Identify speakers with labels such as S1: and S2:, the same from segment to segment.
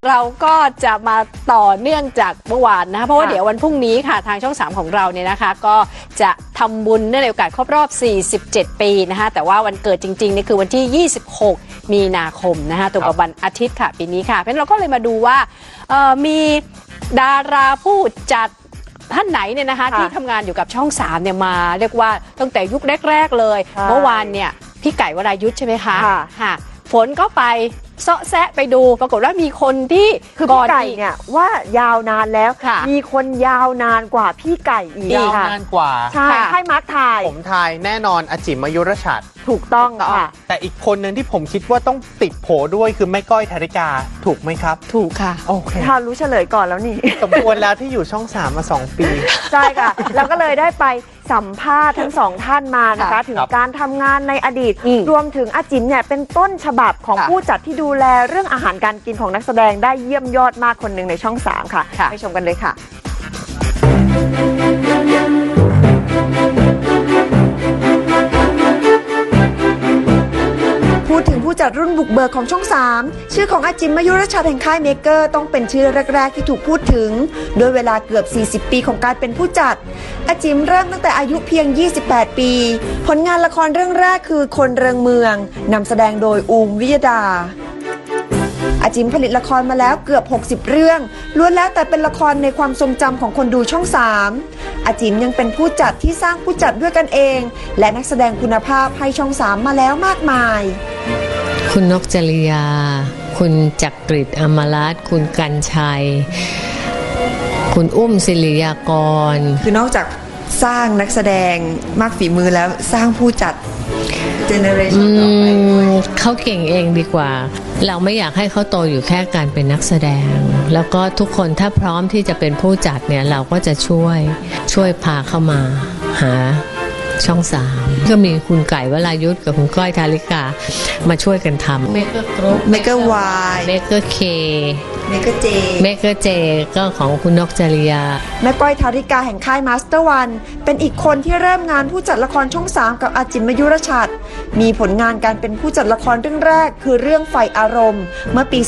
S1: เราก็จะมาต่อเนื่องจากเมื่อวานนะคะเพราะว่าเดี๋ยววันพรุ่งนี้ค่ะทางช่อง 3ของเราเนี่ยนะคะก็จะทำบุญเนื่องในโอกาสครบรอบ47 ปีนะคะแต่ว่าวันเกิดจริงๆนี่คือวันที่ 26 มีนาคมนะคะตรงกับวันอาทิตย์ค่ะปีนี้ค่ะเพราะฉะนั้นเราก็เลยมาดูว่ามีดาราผู้จัดท่านไหนเนี่ยนะคะที่ทำงานอยู่กับช่อง 3เนี่ยมาเรียกว่าตั้งแต่ยุคแรกๆเลยเมื่อวานเนี่ยพี่ไก่วรายุทธ์ใช่ไหมคะค่ะฝนก็ไปเซาะแซะไปดูปรากฏว่ามีคนที่
S2: คือพี่ไก่เนี่ยว่ายาวนานแล้วมีคนยาวนานกว่าพี่ไก่อีก
S3: ยาวนานกว่า
S2: ใช่ให้มาร์คทาย
S3: ผมทายแน่นอนอาจิมมายุรชัด
S2: ถูกต้องค่ะ
S3: แต่อีกคนหนึ่งที่ผมคิดว่าต้องติดโผด้วยคือแม่ก้อยธาริกาถูกไหมครับ
S1: ถูกค่ะ
S3: โอเค
S2: ถ้ารู้เฉลยก่อนแล้วนี่
S3: สมควรแล้วที่อยู่ช่อง 3 มา 2 ปี
S2: ใช่ค่ะแล้วก็เลยได้ไปสัมภาษณ์ทั้งสองท่านมานะคะถึงการทำงานในอดีตรวมถึงอาจิมเนี่ยเป็นต้นฉบับของผู้จัดที่ดูแลเรื่องอาหารการกินของนักแสดงได้เยี่ยมยอดมากคนหนึ่งในช่อง 3ค่ะไปชมกันเลยค่ะพูดถึงผู้จัดรุ่นบุกเบิกของช่อง 3ชื่อของอาจิมมายุรชัดแห่งค่ายเมเกอร์ต้องเป็นชื่อแรกๆที่ถูกพูดถึงโดยเวลาเกือบ40 ปีของการเป็นผู้จัดอาจิมเริ่มตั้งแต่อายุเพียง28 ปีผลงานละครเรื่องแรกคือคนเริงเมืองนำแสดงโดยอูมวิยดาอาจิมผลิตละครมาแล้วเกือบ60เรื่องล้วนแล้วแต่เป็นละครในความทรงจำของคนดูช่อง 3อาจิมยังเป็นผู้จัดที่สร้างผู้จัดด้วยกันเองและนักแสดงคุณภาพให้ช่อง 3มาแล้วมากมาย
S4: คุณนกจริยาคุณจักริดอมรัตน์คุณกันชัยคุณอุ้มศิริยากร
S2: คือนอกจากสร้างนักแสดงมากฝีมือแล้วสร้างผู้จัดเจเนอเรชั่นต่อไป
S4: เขาเก่งเองดีกว่าเราไม่อยากให้เขาโตอยู่แค่การเป็นนักแสดงแล้วก็ทุกคนถ้าพร้อมที่จะเป็นผู้จัดเนี่ยเราก็จะช่วยพาเข้ามาหาช่อง 3ก็มีคุณไก่วรายุทธ์กับคุณก้อยธาริกามาช่วยกันทำเมเกอร์กรุ๊ป
S2: เมเกอร์วาย
S4: เมเกอร์เค
S2: เมเกอร์เจ
S4: ก็ของคุณนกจริยา
S2: แม่ก้อยธาริกาแห่งค่ายมาสเตอร์วันเป็นอีกคนที่เริ่มงานผู้จัดละครช่อง 3กับอาจิมมายุรชัดมีผลงานการเป็นผู้จัดละครเรื่องแรกคือเรื่องไฟอารมณ์เมื่อปี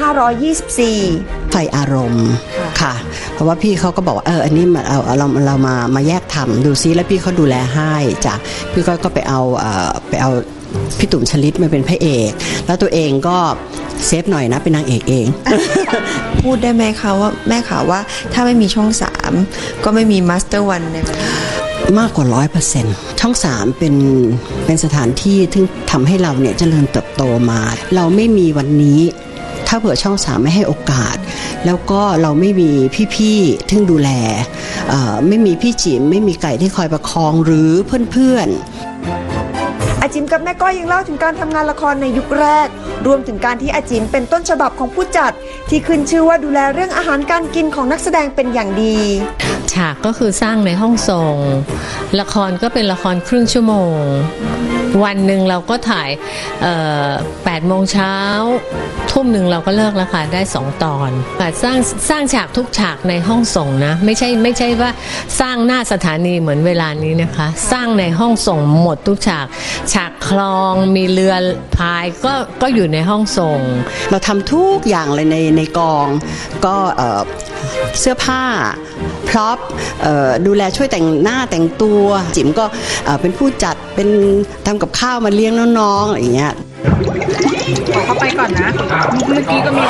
S2: 2524
S5: ไฟอารมณ์ค่ะเพราะว่าพี่เขาก็บอกว่าอันนี้เรามาแยกทำดูซิแล้วพี่เขาดูแลให้จ้ะพี่ก็ไปเอาพี่ตุ่มชลิตมาเป็นพระเอกแล้วตัวเองก็เซฟหน่อยนะเป็นนางเอกเอง
S2: พูดได้ไหมคะว่าแม่ข่าวว่าถ้าไม่มีช่อง 3ก็ไม่มีมาสเตอร์วันในวันนี้
S5: มากกว่า 100% ช่อง 3เป็นสถานที่ที่ทำให้เราเนี่ยเจริญเติบโตมาเราไม่มีวันนี้ถ้าเผื่อช่อง 3ไม่ให้โอกาสแล้วก็เราไม่มีพี่ๆที่ดูแลไม่มีพี่จิ๋มไม่มีไก่ที่คอยประคองหรือเพื่อนๆ
S2: อาจิมกับแม่ก้อยยังเล่าถึงการทำงานละครในยุคแรกรวมถึงการที่อาจิมเป็นต้นฉบับของผู้จัดที่ขึ้นชื่อว่าดูแลเรื่องอาหารการกินของนักแสดงเป็นอย่างดี
S4: ฉากก็คือสร้างในห้องส่งละครก็เป็นละครครึ่งชั่วโมงวันหนึ่งเราก็ถ่าย8 โมงเช้าทุ่มหนึ่งเราก็เลิกแล้วค่ะได้2 ตอนสร้างฉากทุกฉากในห้องส่งนะไม่ใช่ว่าสร้างหน้าสถานีเหมือนเวลานี้นะคะสร้างในห้องส่งหมดทุกฉากคลองมีเรือพายก็อยู่ในห้องส่ง
S5: เราทำทุกอย่างเลยในกองก็เสื้อผ้าพร็อพดูแลช่วยแต่งหน้าแต่งตัวจิ๋มก็เป็นผู้จัดเป็นทำกับข้าวมาเลี้ยงน้องๆอะไรอย่างเงี้ย
S6: ขอเข้าไปก่อนนะเมื่อกี้ก็มี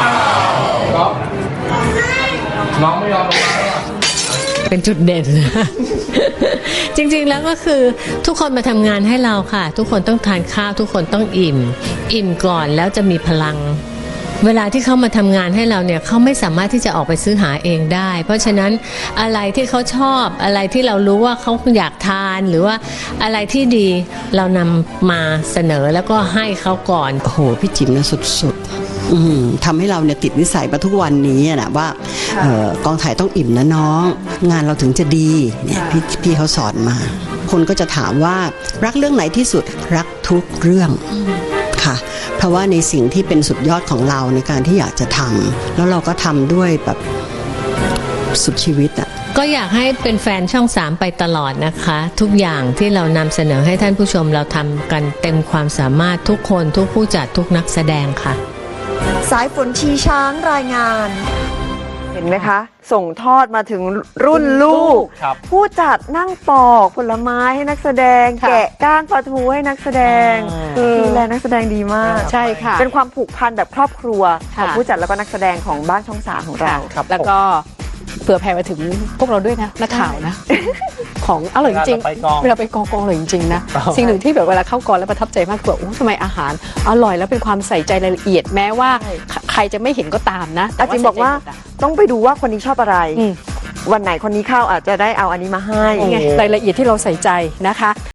S3: น้องไม่ยอมลงมา
S4: เป็นจุดเด่น จริงๆแล้วก็คือทุกคนมาทำงานให้เราค่ะทุกคนต้องทานข้าวทุกคนต้องอิ่มก่อนแล้วจะมีพลังเวลาที่เขามาทำงานให้เราเนี่ยเขาไม่สามารถที่จะออกไปซื้อหาเองได้เพราะฉะนั้นอะไรที่เขาชอบอะไรที่เรารู้ว่าเขาอยากทานหรือว่าอะไรที่ดีเรานำมาเสนอแล้วก็ให้เขาก่อน
S5: โอ้โหพี่จิ๋มเนี่ยสุดๆทำให้เราเนี่ยติดนิสัยมาทุกวันนี้นะว่ากองถ่ายต้องอิ่มนะน้องงานเราถึงจะดีเนี่ยพี่เขาสอนมาคนก็จะถามว่ารักเรื่องไหนที่สุดรักทุกเรื่องค่ะเพราะว่าในสิ่งที่เป็นสุดยอดของเราในการที่อยากจะทำแล้วเราก็ทำด้วยแบบสุดชีวิตอ่ะ
S4: ก็อยากให้เป็นแฟนช่อง 3ไปตลอดนะคะทุกอย่างที่เรานำเสนอให้ท่านผู้ชมเราทำกันเต็มความสามารถทุกคนทุกผู้จัดทุกนักแสดงค่ะ
S2: สายฝนชีช้างรายงาน
S7: เห็นไหมคะ ส่งทอดมาถึงรุ่นลูก
S3: ครับ
S7: ผู้จัดนั่งปอกผลไม้ให้นักแสดง
S1: ค่ะ
S7: แกะก้านปลาทูให้นักแสดงดูแลนักแสดงดีมาก
S1: ใช่ค่ะ
S7: เป็นความผูกพันแบบครอบครัวของ
S1: ค่ะ
S7: ผู้จัดแล้วก็นักแสดงของบ้านช่อง 3ของเรา
S3: ครับ
S1: แล้วก็เผื่อแผ่มาถึงพวกเราด้วยนะนักข่าวนะ ของอร่อยจริง
S3: เวลาไปกอง
S1: เวลาไปกองอร่อยจริงๆนะ
S3: ครับ
S1: สิ่งหนึ่งที่แบบเวลาเข้ากองแล้วประทับใจมากคือว่าโอ้ทำไมอาหารอร่อยแล้วเป็นความใส่ใจรายละเอียดแม้ว่าใครจะไม่เห็นก็ตามนะแต่
S7: อาจิมบอกว่า
S1: ใส่ใจหมดะ
S7: ต้องไปดูว่าคนนี้ชอบอะไร
S1: อืม
S7: วันไหนคนนี้เข้าอาจจะได้เอาอันนี้มาให้
S1: นี่ไงรายละเอียดที่เราใส่ใจนะคะ